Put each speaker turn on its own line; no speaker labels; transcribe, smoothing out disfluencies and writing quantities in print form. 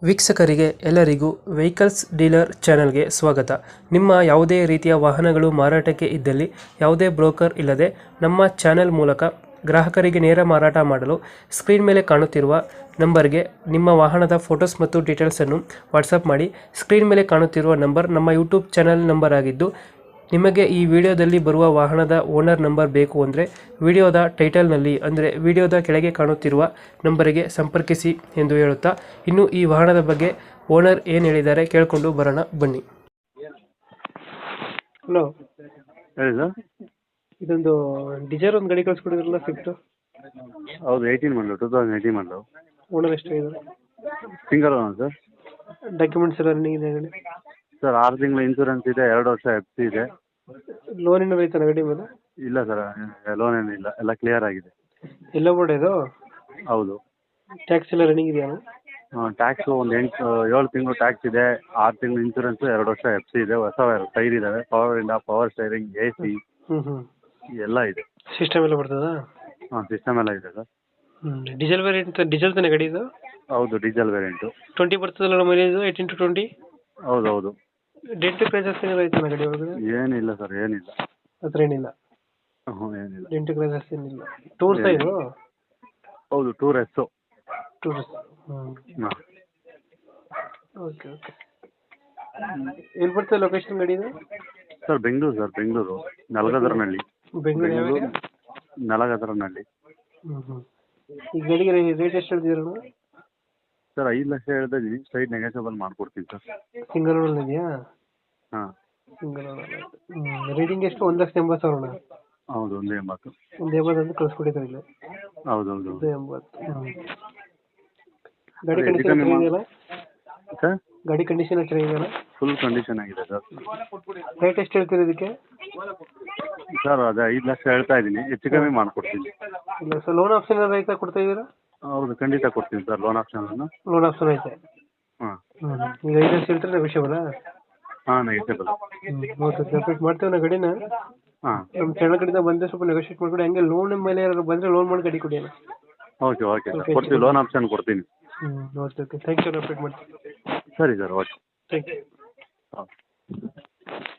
ವೀಕ್ಷಕರಿಗೆ ಎಲ್ಲರಿಗೂ vehicles dealer ಚಾನೆಲ್ಗೆ ಸ್ವಾಗತ. ನಿಮ್ಮ ಯಾವುದೇ ರೀತಿಯ ವಾಹನಗಳು ಮಾರಾಟಕ್ಕೆ ಇದ್ದಲ್ಲಿ ಯಾವುದೇ ಬ್ರೋಕರ್ ಇಲ್ಲದೆ ನಮ್ಮ ಚಾನೆಲ್ ಮೂಲಕ ಗ್ರಾಹಕರಿಗೆ ನೇರ ಮಾರಾಟ ಮಾಡಲು ಸ್ಕ್ರೀನ್ ಮೇಲೆ ಕಾಣುತ್ತಿರುವ ನಂಬರ್ಗೆ ನಿಮ್ಮ ವಾಹನದ ಫೋಟೋಸ್ ಮತ್ತು ಡೀಟೇಲ್ಸನ್ನು ವಾಟ್ಸಪ್ ಮಾಡಿ. ಸ್ಕ್ರೀನ್ ಮೇಲೆ ಕಾಣುತ್ತಿರುವ ನಂಬರ್ ನಮ್ಮ ಯೂಟ್ಯೂಬ್ ಚಾನೆಲ್ ನಂಬರ್ ಆಗಿದ್ದು, ನಿಮಗೆ ಈ ವಿಡಿಯೋದಲ್ಲಿ ಬರುವ ವಾಹನದ ಓನರ್ ನಂಬರ್ ಬೇಕು ಅಂದರೆ ವಿಡಿಯೋದ ಟೈಟಲ್ನಲ್ಲಿ ಅಂದರೆ ವಿಡಿಯೋದ ಕೆಳಗೆ ಕಾಣುತ್ತಿರುವ ನಂಬರಿಗೆ ಸಂಪರ್ಕಿಸಿ ಎಂದು ಹೇಳುತ್ತಾ, ಇನ್ನು ಈ ವಾಹನದ ಬಗ್ಗೆ ಓನರ್ ಏನು ಹೇಳಿದ್ದಾರೆ ಕೇಳಿಕೊಂಡು ಬರೋಣ ಬನ್ನಿ. ಹಲೋ,
ಹೇಳಿ ಸರ್.
ಇದೊಂದು ಡಿಸೈರ್ ಒಂದು ಗಾಡಿ ಕಳಿಸ್ಕೊಡಿದ್ರಲ್ಲ, ಸ್ವಿಫ್ಟ್.
ಹೌದು, 2018 ಮಾಡಲು.
ಓನರ್ ಎಷ್ಟಾಗಿದೆ?
Single owner sir.
ಡಾಕ್ಯುಮೆಂಟ್ಸ್ ಎಲ್ಲ ರನ್ನಿಂಗ್ ಇದೆ ಗಾಡಿ?
ಸರ್ 6 ತಿಂಗಳ ಇನ್ಸೂರೆನ್ಸ್ ಇದೆ, 2 ವರ್ಷ FC ಇದೆ.
ಲೋನ್ ಏನಾದ್ರು ಐತನ ಗಾಡಿ ಮೇಲೆ?
ಇಲ್ಲ ಸರ್, ಲೋನ್ ಏನಿಲ್ಲ, ಎಲ್ಲ ಕ್ಲಿಯರ್ ಆಗಿದೆ.
ಎಲ್ಲ ಬೋರ್ಡ್ ಇದು?
ಹೌದು.
ಟ್ಯಾಕ್ಸ್ ಎಲ್ಲ ರನ್ನಿಂಗ್ ಇದೆಯಾ?
ಟ್ಯಾಕ್ಸು ಒಂದು 7 ತಿಂಗಳು ಟ್ಯಾಕ್ಸ್ ಇದೆ, 6 ತಿಂಗಳು ಇನ್ಸೂರೆನ್ಸ್, 2 ವರ್ಷ FC ಇದೆ. ಹೊಸ ಟೈರ್ ಇದ್ದಾವೆ, ಪವರ್ ಸ್ಟೈರಿಂಗ್, AC ಎಲ್ಲ ಇದೆ.
ಸಿಸ್ಟಮ್ ಎಲ್ಲ ಬರ್ತದಾ?
ಸಿಸ್ಟಮ್ ಎಲ್ಲ ಇದೆ ಸರ್.
ಡೀಸೆಲ್ ವೇರಿಯಂಟ್, ಡೀಸೆಲ್ ತಾನೆ ಗಾಡಿ ಇದು?
ಹೌದು, ಡೀಸೆಲ್ ವೇರಿಯಂಟು.
20 ಬರ್ತದಲ್ಲ ಮೈಲೇಜ್? 18 to 20?
ಹೌದು ಹೌದು.
ಡೆಂಟ್ ಕ್ರೈಸಸ್ ಏನಾದ್ರು ಐತನ ಗಾಡಿ ಒಳಗಡೆ?
ಏನಿಲ್ಲ ಸರ್, ಏನಿಲ್ಲ.
ಹತ್ರ ಏನಿಲ್ಲ?
ಏನಿಲ್ಲ.
ಡೆಂಟ್ ಕ್ರೈಸಸ್ ಏನಿಲ್ಲ. ಟೂರ್ಸ್ ಇದು?
ಹೌದು, ಟೂರ್ ಎಸ್.
ಟೂರ್ಸ್.
ಹಾಂ.
Okay okay. ಎಲ್ಲಿ ಬರ್ತದೆ ಲೊಕೇಶನ್ ಗಾಡಿ ಇದು?
ಸರ್ ಬೆಂಗಳೂರು ನಲಗದರನಹಳ್ಳಿ.
ಬೆಂಗಳೂರು
ನಲಗದರನಹಳ್ಳಿ.
ಈ ಗಾಡಿಗೆ ರೇಟ್ ಎಷ್ಟು ಹೇಳ್ತಿದ್ದೀರ?
ಸರ್ 5 ಲಕ್ಷ ಹೇಳ್ತಾ ಇದ್ದೀನಿ, ಸೈಡ್ ನೆಗೋಷಿಯಬಲ್ ಮಾಡ್ಕೊಡ್ತೀನಿ ಸರ್.
ಸಿಂಗಲ್ ಓನರ್ ಇದೆಯಾ?
ಹಾಂ,
ಸಿಂಗಲ್ ಓನರ್. ರೇಟಿಂಗ್ ಎಷ್ಟು? 1,80,000?
ಹೌದು, 180.
180 ಅಂತ ಕಳಿಸ್ಕೊಟ್ಟಿದ್ದಾರೆ ಇಲ್ಲಿ.
ಹೌದು ಹೌದು.
180. ಗಾಡಿ ಕಂಡೀಷನ್ ಚೆನ್ನಾಗಿದೆಯಲ್ಲ
ಸರ್?
ಗಾಡಿ ಕಂಡೀಷನ್ ಚೆನ್ನಾಗಿದೆಯಲ್ಲ?
ಫುಲ್ ಕಂಡೀಷನ್ ಆಗಿದೆ ಸರ್.
ರೇಟ್ ಎಷ್ಟು ಹೇಳ್ತೀರಿ ಇದಕ್ಕೆ?
ಸರ್ ಅದೇ 5 ಲಕ್ಷ ಹೇಳ್ತಾ ಇದ್ದೀನಿ, ಹೆಚ್ಚು ಕಮ್ಮಿ ಮಾಡ್ಕೊಡ್ತೀನಿ.
ಇಲ್ಲ ಸರ್, ಲೋನ್ ಆಪ್ಷನ್ ಏನಾದ್ರು ಐತಾ? ಕೊಡ್ತಾ ಇದ್ದೀರಾ?
ಹೌದು, ಖಂಡಿತ ಕೊಡ್ತೀನಿ ಸರ್ ಲೋನ್ ಆಪ್ಷನನ್ನು.
ಲೋನ್ ಆಪ್ಷನ್ ಐತೆ?
ಹಾಂ.
ಈಗ 5 ಲಕ್ಷ ಹೇಳ್ತಾರೆ, ನೆಗೋಷಿಯಬಲ್?
ಹಾಂ, ನೆಗೋಷಿಯಬಲ್.
ಓಕೆ, ಸಪ್ರೇಟ್ ಮಾಡ್ತೇವೆ ನಾವು ಗಾಡಿನ.
ಹಾಂ,
ನಮ್ಮ ಚಾನಲ್ ಕಡೆಯಿಂದ ಬಂದರೆ ಸ್ವಲ್ಪ ನೆಗೋಷಿಯೇಟ್ ಮಾಡಿಕೊಡಿ. ಹಂಗೆ ಲೋನ್ ಮೇಲೆ ಯಾರು ಬಂದರೆ ಲೋನ್ ಮಾಡಿ ಗಾಡಿ ಕೊಡಿ.
ಓಕೆ ಓಕೆ ಸರ್, ಕೊಡ್ತೀವಿ, ಲೋನ್ ಆಪ್ಷನ್ ಕೊಡ್ತೀನಿ.
Okay okay, thank you. Update ಮಾಡ್ತೀನಿ.
ಸರಿ ಸರ್, ಓಕೆ.
Thank you.
ಹಾಂ.